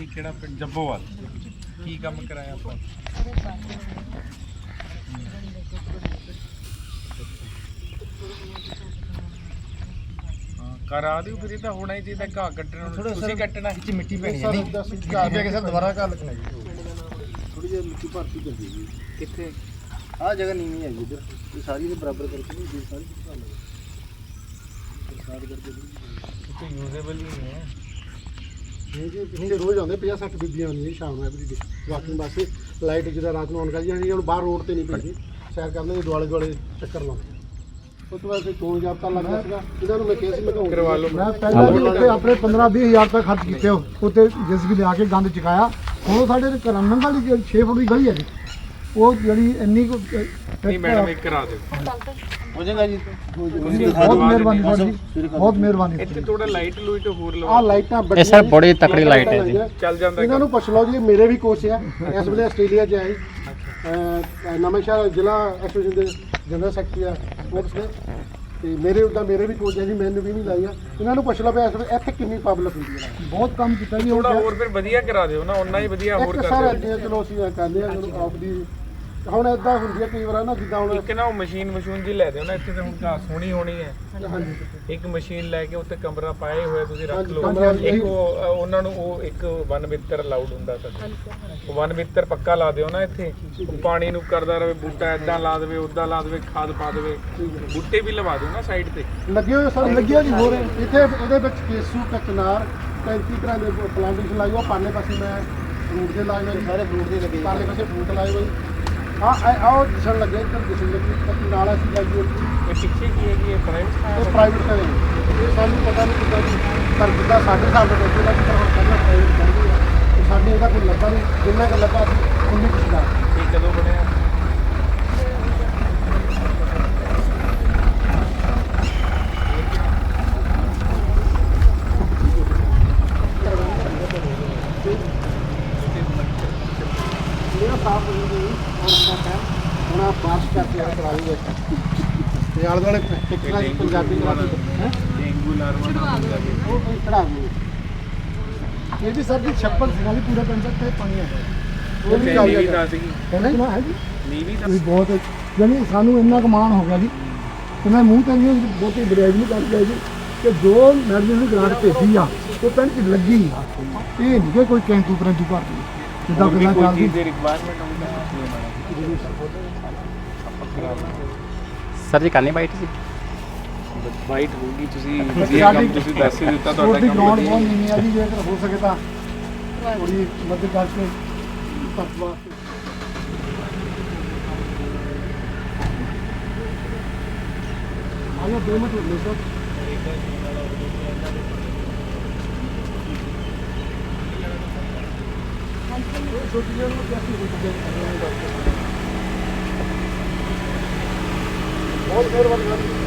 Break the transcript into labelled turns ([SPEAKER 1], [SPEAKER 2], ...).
[SPEAKER 1] ਕੀ ਕਿਹੜਾ ਪਿੰਡ? ਜੱਬੋਵਾਲ। ਕੀ ਕੰਮ ਕਰਾਇਆ ਆਪਾਂ? ਕਰਾ ਦਿਓ ਫਿਰ। ਇਹ ਤਾਂ ਹੋਣਾ ਹੀ ਚਾਹੀਦਾ। ਘਾਹ ਕੱਟਣਾ ਤੁਸੀਂ ਕੱਟਣਾ ਵਿੱਚ ਮਿੱਟੀ ਪੈਣੀ ਹੈ।
[SPEAKER 2] ਘਾਹ ਪੈ ਕੇ ਸਰ ਦੁਬਾਰਾ ਘਾਹ ਲੱਗਣਾ ਜੀ। ਥੋੜੀ ਜਿਹੀ ਮਿੱਟੀ ਭਰਤੀ ਕਰਦੀ ਜੀ।
[SPEAKER 1] ਕਿੱਥੇ?
[SPEAKER 2] ਆਹ ਜਗ੍ਹਾ ਨੀਵੀਂ ਹੈ ਜੀ ਇੱਧਰ। ਇਹ ਸਾਰੀ ਦੇ ਬਰਾਬਰ ਕਰਕੇ ਨਹੀਂ ਜੀ, ਸਾਰੀ ਘਾਹ ਲੱਗੇ ਪ੍ਰਸਾਦ ਕਰਕੇ
[SPEAKER 1] ਤੇ ਯੂਜ਼ੇਬਲ ਹੀ ਨਹੀਂ ਹੈ
[SPEAKER 2] ਇਹ ਜੀ। ਪਿੱਛੇ ਰੋਜ਼ ਆਉਂਦੇ 50-60 ਬੀਬੀਆਂ ਆਉਂਦੀਆਂ ਸ਼ਾਮ ਨੂੰ ਐਵਰੀ ਡੇ ਵਾਕਿੰਗ ਵਾਸਤੇ। ਲਾਈਟ ਜਿਹਦਾ ਰਾਤ ਨੂੰ ਆਨ ਕਰ ਜਾਂਦੀ, ਹੁਣ ਬਾਹਰ ਰੋਡ ਤੇ ਨਹੀਂ ਪੈਂਦੀ, ਸੈਰ ਕਰਨ ਦੇ ਦੁਆਲੇ ਦੁਆਲੇ ਚੱਕਰ ਲਾਉਂਦੇ। ਉਸ ਤੋਂ ਬਾਅਦ ਚੋਣ ਜਾਬਤਾ ਲੱਗ ਗਿਆ ਸੀਗਾ, ਇਹਨਾਂ ਨੂੰ ਮੈਂ ਕਿਹਾ ਸੀ ਮੈਂ
[SPEAKER 1] ਕਰਵਾ ਲਓ।
[SPEAKER 2] ਮੈਂ ਪਹਿਲਾਂ ਵੀ ਉੱਥੇ ਆਪਣੇ 15-20 ਹਜ਼ਾਰ ਤੱਕ ਖਰਚ ਕੀਤੇ ਉੱਥੇ ਜਿਸ ਲਿਆ ਕੇ ਗੰਦ ਚੁਕਾਇਆ। ਹੁਣ ਸਾਡੇ ਘਰਾਂ ਨੰਗਲ ਦੀ ਜਿਹੜੀ 6 ਫੁੱਟ ਦੀ ਗਲੀ ਹੈ ਜੀ, ਉਹ ਜਿਹੜੀ ਇੰਨੀ ਕੁ
[SPEAKER 1] ਨਹੀਂ ਮੈਡਮ ਇੱਕ ਕਰਾ ਦਿਓ।
[SPEAKER 2] ਹੋ ਜਾਏਗਾ ਜੀ।
[SPEAKER 1] ਬਹੁਤ
[SPEAKER 2] ਮਿਹਰਬਾਨੀ ਤੁਹਾਡੀ, ਬਹੁਤ ਮਿਹਰਬਾਨੀ।
[SPEAKER 1] ਇੱਥੇ ਥੋੜਾ ਲਾਈਟ ਲੂਈਟ ਹੋਰ ਲਵਾ।
[SPEAKER 2] ਆ ਲਾਈਟਾਂ
[SPEAKER 3] ਇਹ ਸਰ ਬੜੀ ਤਕੜੀ ਲਾਈਟ ਹੈ ਜੀ।
[SPEAKER 1] ਚੱਲ ਜਾਂਦਾ।
[SPEAKER 2] ਇਹਨਾਂ ਨੂੰ ਪੁੱਛ ਲਓ ਜੀ, ਮੇਰੇ ਵੀ ਕੋਚ ਆ ਇਸ ਵੇਲੇ ਆਸਟ੍ਰੇਲੀਆ 'ਚ ਆਏ। ਨਵਾਂਸ਼ਹਿਰ ਜ਼ਿਲ੍ਹਾ ਐਸੋਸੀਏਸ਼ਨ ਦੇ ਜਨਰਲ ਸੈਕਟਰੀ ਆ ਸਪੋਰਟਸ ਦੇ, ਤੇ ਮੇਰੇ ਉੱਦਾਂ ਮੇਰੇ ਵੀ ਕੋਚ ਆ ਜੀ, ਮੈਨੂੰ ਵੀ ਨਹੀਂ ਲਾਈ ਆ। ਇਹਨਾਂ ਨੂੰ ਪੁੱਛ ਲਓ ਵੀ ਇਸ ਵੇਲੇ ਇੱਥੇ ਕਿੰਨੀ ਪਬਲਿਕ ਹੁੰਦੀ ਹੈ। ਬਹੁਤ ਕੰਮ ਕੀਤਾ ਜੀ।
[SPEAKER 1] ਥੋੜਾ ਹੋਰ ਫਿਰ ਵਧੀਆ ਕਰਾ ਦਿਓ ਨਾ, ਉਹਨਾਂ ਹੀ ਵਧੀਆ ਹੋਰ ਕਰ
[SPEAKER 2] ਸਰ
[SPEAKER 1] ਦਿਓ।
[SPEAKER 2] ਚਲੋ ਅਸੀਂ ਕਰਦੇ ਹਾਂ ਆਪ ਦੀ। ਹੁਣ ਇਦਾਂ ਹੁੰਦੀ ਹੈ ਕਈ ਵਾਰ ਨਾ, ਜਿੱਦਾਂ ਹੁਣ
[SPEAKER 1] ਇੱਕ ਨਾ ਉਹ ਮਸ਼ੀਨ ਜੀ ਲੈ ਦਿਓ ਨਾ ਇੱਥੇ। ਤੇ ਹੁਣ ਘਾਹ ਸੋਹਣੀ ਹੋਣੀ ਹੈ।
[SPEAKER 2] ਹਾਂਜੀ
[SPEAKER 1] ਇੱਕ ਮਸ਼ੀਨ ਲੈ ਕੇ ਉੱਤੇ ਕਮਰਾ ਪਾਏ ਹੋਇਆ ਤੁਸੀਂ ਰੱਖ
[SPEAKER 2] ਹਾਂਜੀ,
[SPEAKER 1] ਲਓ।
[SPEAKER 2] ਕਮਰਾ
[SPEAKER 1] ਇੱਕ ਉਹਨਾਂ ਨੂੰ ਉਹ ਇੱਕ ਵਨ ਮਿੱਤਰ ਅਲਾਉਡ ਹੁੰਦਾ ਸਰ। ਉਹ ਵਨ ਮਿੱਤਰ ਪੱਕਾ ਲਾ ਦਿਓ ਨਾ ਇੱਥੇ। ਉਹ ਪਾਣੀ ਨੂੰ ਕਰਦਾ ਰਹੇ, ਬੂਟਾ ਇਦਾਂ ਲਾ ਦੇਵੇ, ਉਦਾਂ ਲਾ ਦੇਵੇ, ਖਾਦ ਪਾ ਦੇਵੇ। ਬੂਟੇ ਵੀ ਲਵਾ ਦਿਓ ਨਾ ਸਾਈਡ ਤੇ।
[SPEAKER 2] ਲੱਗੇ ਹੋਏ ਸਰ, ਲੱਗਿਆ ਜੀ। ਹੋਰ ਇੱਥੇ ਇਹਦੇ ਵਿੱਚ ਕੇਸੂ ਕਚਨਾਰ 35 ਤਰ੍ਹਾਂ ਦੇ ਪਲਾਂਟੇਸ਼ਨ ਲਾਈ ਹੋਈ। ਪਾਲੇ ਪਾਸੇ ਮੈਂ ਫਰੂਟ ਦੇ ਲਾਏ ਹੋਏ, ਸਾਰੇ ਫਰੂਟ ਦੇ ਲੱਗੇ। ਪਾਲੇ ਪਾਸੇ ਫਰੂਟ ਲਾਏ ਹੋਏ। ਆਹ ਦਿਸਣ ਲੱਗੇ, ਇੱਧਰ ਦਿਸਣ ਲੱਗੀ ਨਾਲ ਅਸੀਂ ਲਾਈ ਹੋਈ।
[SPEAKER 1] ਇਹ ਪਿੱਛੇ ਕੀ ਹੈ ਜੀ? ਇਹ ਪ੍ਰਾਈਵੇਟ
[SPEAKER 2] ਇਹ ਪ੍ਰਾਈਵੇਟ ਹੈ। ਇਹ ਸਾਨੂੰ ਪਤਾ ਨਹੀਂ ਕਿੱਦਾਂ ਜੀ, ਪਰ ਜਿੱਦਾਂ ਸਾਡੇ ਹਿਸਾਬ ਨਾਲ ਬੱਚੇ ਦਾ ਕਿਤਾ ਹੁਣ ਪਹਿਲਾਂ ਪ੍ਰਾਈਵੇਟ ਕਰਦੇ ਆ, ਤੇ ਸਾਡੇ ਇਹਦਾ ਕੋਈ ਲੱਗਾ ਨਹੀਂ। ਜਿੰਨਾ ਕੁ ਲੱਗਾ ਸੀ ਉਨੀ ਕੁ ਦਾ।
[SPEAKER 1] ਇਹ ਕਦੋਂ ਬਣਿਆ?
[SPEAKER 2] ਸਾਫ ਹੋ ਗਈ ਹੁਣ ਆਪ ਬਾਰਿਸ਼ ਕਰਕੇ ਕਰਾ ਲਈਏ ਤੇ ਆਲੇ ਦੁਆਲੇ ਟਿਕਟਾਂ ਦੀ ਪੰਜਾਬੀ ਕਰਾ ਦੇ
[SPEAKER 1] ਡੇਂਗੂ ਲਾਰਵਾ
[SPEAKER 2] ਉਹ ਕੋਈ ਚੜਾ ਦੇ। ਇਹ ਵੀ ਸਰ ਦੀ ਛੱਪੜ ਸੀਗਾ ਵੀ ਪੂਰਾ ਪਿੰਡ ਤੇ ਪਾਣੀ ਆ ਗਿਆ। ਉਹ ਵੀ
[SPEAKER 1] ਨੀਵੀਂ ਦੱਸ ਗਈ।
[SPEAKER 2] ਕਹਿੰਦਾ ਹੈ ਜੀ
[SPEAKER 1] ਨੀਵੀਂ
[SPEAKER 2] ਤੁਸੀਂ ਬਹੁਤ ਜਾਨੀ ਸਾਨੂੰ ਇੰਨਾ ਕੁ ਮਾਣ ਹੋ ਗਿਆ ਜੀ ਕਿ ਮੈਂ ਮੂੰਹ ਤੇ ਨਹੀਂ ਬਹੁਤੀ ਬਰੇਜ ਨਹੀਂ ਕਰ ਲਿਆ ਜੀ ਕਿ ਜੋ ਮੈਡਮ ਨੇ ਗ੍ਰਾਂਟ ਭੇਜੀ ਆ ਉਹ ਪਿੰਡ 'ਚ ਲੱਗੀ ਆ। ਇਹ ਨਹੀਂ ਕਿ ਕੋਈ ਕੈਂਟੂ ਪ੍ਰੈਂਟੂ ਭਰਤੀ ਜਿੱਦਾਂ ਗੱਲਾਂ ਚੱਲਦੀ।
[SPEAKER 1] ਦੀ ਰਿਕੁਆਇਰਮੈਂਟ ਹੁੰਦਾ
[SPEAKER 3] ਸਰ ਜੀ ਕਰਨੀ ਬਾਈਟ ਸੀ।
[SPEAKER 1] ਵਾਈਟ ਹੋਊਗੀ। ਤੁਸੀਂ ਵਧੀਆ ਕੰਮ ਤੁਸੀਂ ਦੱਸ ਹੀ ਦਿੱਤਾ। ਤੁਹਾਡਾ
[SPEAKER 2] ਉਹਦੀ
[SPEAKER 1] ਕੰਮ
[SPEAKER 2] ਗਰਾਊਂਡ
[SPEAKER 1] ਵਧੀਆ।
[SPEAKER 2] ਬਹੁਤ ਨੀਵੀਂ ਆ ਜੀ, ਜੇਕਰ ਹੋ ਸਕੇ ਤਾਂ ਥੋੜੀ ਮਦਦ ਕਰਕੇ ਤੱਕ ਵਾਸਤੇ। ਆਇਆ 2 ਮਿੰਟ ਹੋ ਸਰ। ਛੋਟੀ ਜਿਹੀ ਨੂੰ ਕਿਆਸੀ ਹੋ ਚੁੱਕੀ ਹੈ। ਬਹੁਤ ਮਿਹਰਬਾਨੀ।